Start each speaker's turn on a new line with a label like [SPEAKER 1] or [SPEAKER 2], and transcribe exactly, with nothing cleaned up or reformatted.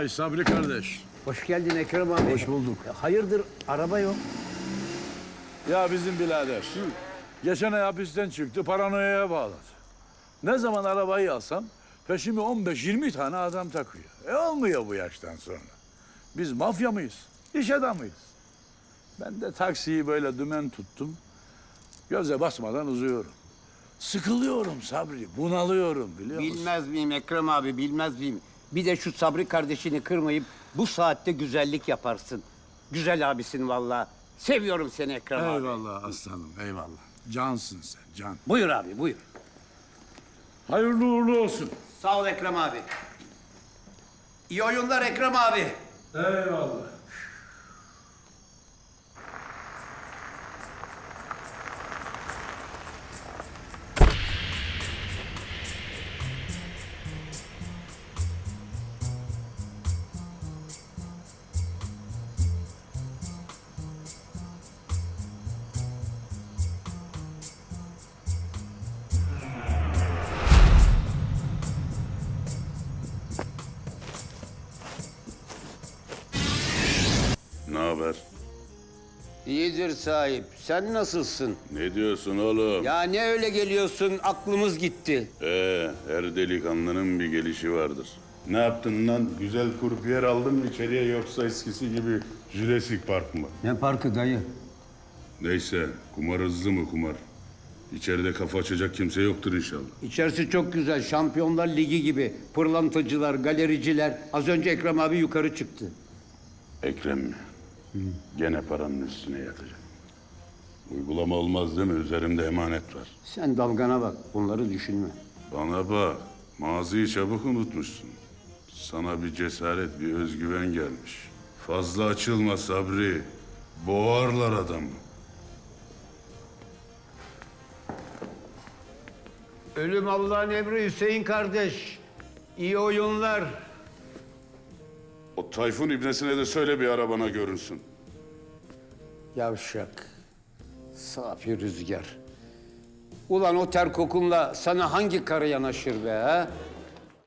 [SPEAKER 1] Vay Sabri kardeş.
[SPEAKER 2] Hoş geldin Ekrem abi.
[SPEAKER 1] Hoş bulduk.
[SPEAKER 2] Ya hayırdır araba yok?
[SPEAKER 1] Ya bizim birader. Geçen ay hapisten çıktı, paranoyaya bağladı. Ne zaman arabayı alsam peşimi on beş yirmi tane adam takıyor. E olmuyor bu yaştan sonra. Biz mafya mıyız? İş adamıyız. Ben de taksiyi böyle dümen tuttum. Göze basmadan uzuyorum. Sıkılıyorum Sabri, bunalıyorum biliyor musun?
[SPEAKER 2] Bilmez miyim Ekrem abi, bilmez miyim? Bir de şu Sabri kardeşini kırmayıp bu saatte güzellik yaparsın. Güzel abisin vallahi. Seviyorum seni Ekrem abi.
[SPEAKER 1] Eyvallah aslanım, eyvallah. Cansın sen, can.
[SPEAKER 2] Buyur abi, buyur.
[SPEAKER 1] Hayırlı uğurlu olsun.
[SPEAKER 2] Sağ ol Ekrem abi. İyi oyunlar Ekrem abi.
[SPEAKER 1] Eyvallah.
[SPEAKER 3] Ne haber?
[SPEAKER 2] İyidir sahip. Sen nasılsın?
[SPEAKER 3] Ne diyorsun oğlum?
[SPEAKER 2] Ya ne öyle geliyorsun? Aklımız gitti.
[SPEAKER 3] Ee, her delikanlının bir gelişi vardır. Ne yaptın lan? Güzel kurpiyer aldın mı içeriye yoksa eskisi gibi Jurassic Park mı?
[SPEAKER 2] Ne parkı dayı?
[SPEAKER 3] Neyse, kumar hızlı mı kumar? İçeride kafa açacak kimse yoktur inşallah.
[SPEAKER 2] İçerisi çok güzel. Şampiyonlar Ligi gibi. Pırlantacılar, galericiler. Az önce Ekrem abi yukarı çıktı.
[SPEAKER 3] Ekrem mi? Gene paranın üstüne yatacak. Uygulama olmaz değil mi? Üzerimde emanet var.
[SPEAKER 2] Sen dalgana bak. Bunları düşünme.
[SPEAKER 3] Bana bak, maziyi çabuk unutmuşsun. Sana bir cesaret, bir özgüven gelmiş. Fazla açılma Sabri. Boğarlar adamı.
[SPEAKER 2] Ölüm Allah'ın emri Hüseyin kardeş. İyi oyunlar.
[SPEAKER 3] O Tayfun ibnesine de söyle bir arabana görünsün.
[SPEAKER 2] Yavşak. Safi rüzgar. Ulan o ter kokunla sana hangi karı yanaşır be ha?